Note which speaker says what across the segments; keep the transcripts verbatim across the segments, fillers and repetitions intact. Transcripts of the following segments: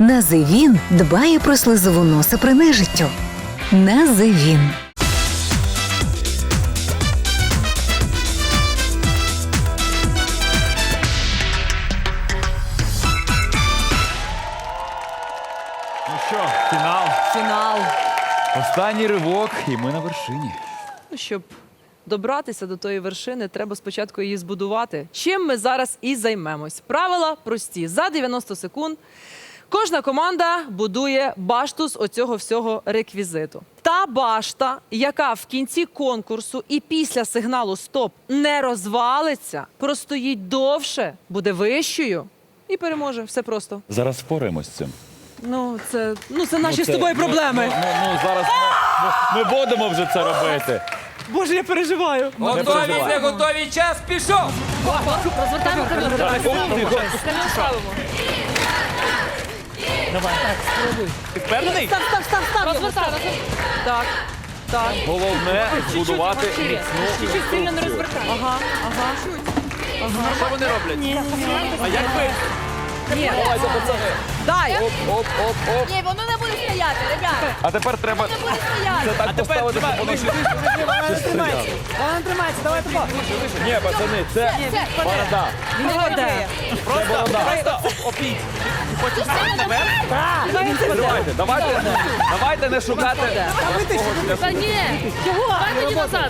Speaker 1: Називін дбає про слизову носа при нежиттю. Називін.
Speaker 2: Ну що, фінал.
Speaker 3: Фінал.
Speaker 2: Останній ривок, і ми на вершині.
Speaker 3: Ну, щоб добратися до тої вершини, треба спочатку її збудувати. Чим ми зараз і займемось. Правила прості. За дев'яносто секунд кожна команда будує башту з оцього всього реквізиту. Та башта, яка в кінці конкурсу і після сигналу «Стоп» не розвалиться, простоїть довше, буде вищою і переможе. Все просто.
Speaker 2: Зараз впораємось з цим.
Speaker 3: Ну, це, ну, це наші
Speaker 2: Ну,
Speaker 3: з
Speaker 2: це-
Speaker 3: тобою
Speaker 2: ну,
Speaker 3: проблеми.
Speaker 2: Ну, ну, ну зараз ми, ми будемо вже це робити.
Speaker 3: Боже, я переживаю.
Speaker 4: Готові,
Speaker 2: переживай.
Speaker 4: не готові, час пішов!
Speaker 3: Розвертаємо
Speaker 2: Ти впевнений?
Speaker 3: Став, став, став, став. Розвертаємо. Так, так.
Speaker 2: Головне збудувати міцну
Speaker 3: Чуть-чуть сильно не розвертаємо. Ага, ага.
Speaker 2: Що вони роблять? Ні, а як ви?
Speaker 3: Ні.
Speaker 2: Давайте, пацани.
Speaker 3: Дай.
Speaker 2: Оп, оп, оп, оп.
Speaker 5: Ні, воно не буде стояти, ребята.
Speaker 2: А тепер треба
Speaker 5: Не буде стояти.
Speaker 2: це так поставити, щоб воно ще стояло.
Speaker 3: Вона тримається, давай тупо.
Speaker 2: Ні, пацани, це борода.
Speaker 3: Він не веде.
Speaker 2: Це борода. Давайте, давайте, давайте не шукати.
Speaker 5: Та ні. Чого? Давай тоді назад.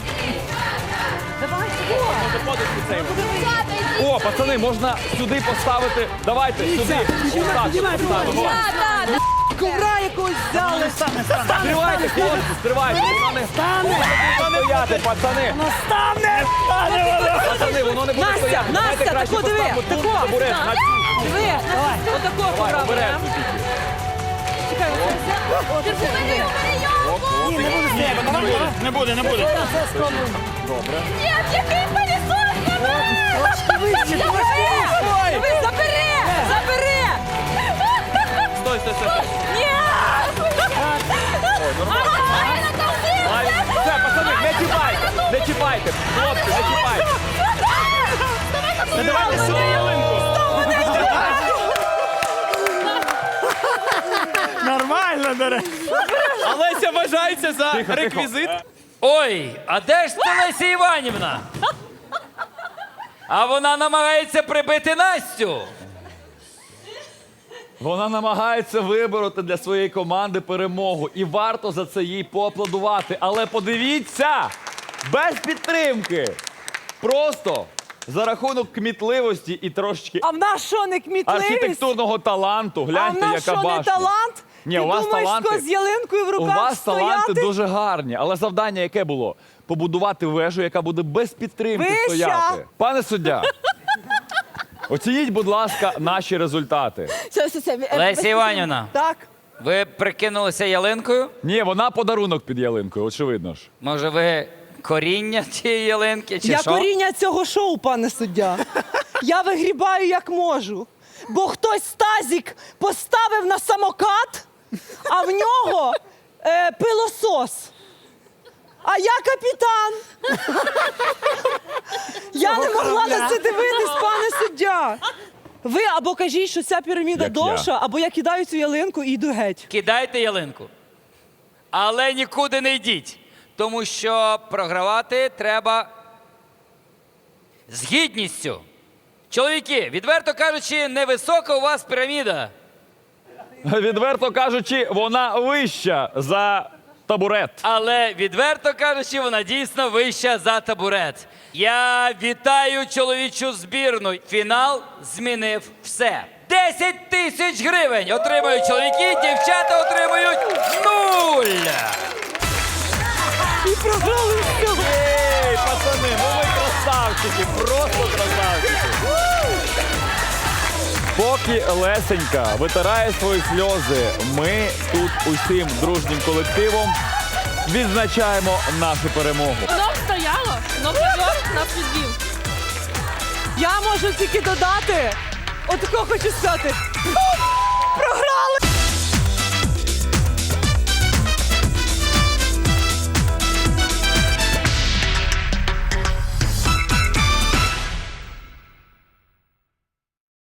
Speaker 2: О, пацани, можна сюди поставити. Давайте, сюди. Отак поставимо.
Speaker 3: Ковра якогось взяли.
Speaker 2: Стривайте, хлопці, стривайте. Воно не стане. Стояти, пацани.
Speaker 3: Воно стане.
Speaker 2: Пацани, воно не буде
Speaker 3: Настя,
Speaker 2: стояти. Давайте
Speaker 3: Настя,
Speaker 2: краще
Speaker 3: тако диви,
Speaker 2: поставимо тут
Speaker 3: тако.
Speaker 2: табурет на цю.
Speaker 3: Диви, отакого
Speaker 2: Давай,
Speaker 3: ковра
Speaker 2: обережно.
Speaker 3: беремо. Чекай,
Speaker 5: Ні, не буде стояти.
Speaker 2: Не буде, не буде. Добре.
Speaker 5: Ні, який пилісос забери!
Speaker 3: Диви, забери! Забери!
Speaker 2: Стой, стой, стой.
Speaker 5: Ні!
Speaker 2: Ой, нормально. Ай, Все, пацани, не чіпайте, не чіпайте. Хлопці, не чіпайте. Давайте сюди ялинку.
Speaker 6: Нормально, до речі.
Speaker 7: Олеся вважається за реквізит.
Speaker 4: Ой, а де ж це Леся Іванівна? А вона намагається прибити Настю.
Speaker 2: Вона намагається вибороти для своєї команди перемогу. І варто за це їй поаплодувати. Але подивіться, без підтримки. Просто за рахунок кмітливості і трошечки
Speaker 3: А в нас що, не кмітливість?
Speaker 2: архітектурного таланту.
Speaker 3: А в
Speaker 2: Гляньте,
Speaker 3: нас
Speaker 2: яка
Speaker 3: що, не
Speaker 2: башня.
Speaker 3: талант?
Speaker 2: Ні,
Speaker 3: Ти
Speaker 2: у вас
Speaker 3: думаєш,
Speaker 2: таланти-
Speaker 3: що з ялинкою в
Speaker 2: У
Speaker 3: руках
Speaker 2: вас
Speaker 3: стояти?
Speaker 2: таланти дуже гарні, але завдання яке було? Побудувати вежу, яка буде без підтримки
Speaker 3: Вища.
Speaker 2: стояти. Пане суддя, оцініть, будь ласка, наші результати.
Speaker 5: Все, все, все.
Speaker 4: Леся Іванівна,
Speaker 3: Так.
Speaker 4: ви прикинулися ялинкою?
Speaker 2: Ні, вона подарунок під ялинкою, очевидно ж.
Speaker 4: Може, ви коріння цієї ялинки, чи
Speaker 8: Я
Speaker 4: що?
Speaker 8: коріння цього шоу, пане суддя. Я вигрібаю як можу. Бо хтось тазик поставив на самокат, а в нього е, пилосос. А я капітан. Я не могла на це дивитись, пане суддя. Ви або кажіть, що ця піраміда
Speaker 2: Як
Speaker 8: довша, або я кидаю цю ялинку і йду геть.
Speaker 4: Кидайте ялинку. Але нікуди не йдіть. Тому що програвати треба з гідністю. Чоловіки, відверто кажучи, невисока у вас піраміда.
Speaker 2: Відверто кажучи, вона вища за табурет.
Speaker 4: Але, відверто кажучи, вона дійсно вища за табурет. Я вітаю чоловічу збірну. Фінал змінив все. десять тисяч гривень отримують чоловіки, дівчата отримують нуль.
Speaker 8: І програли все.
Speaker 2: Ей, пацани, ну ви красавчики, просто красавчики. Поки Лесенька витирає свої сльози, ми тут усім дружнім колективом відзначаємо нашу перемогу.
Speaker 5: Воно стояло, но позор нас підвів.
Speaker 8: Я можу тільки додати. Отако хочу сказати. Програли!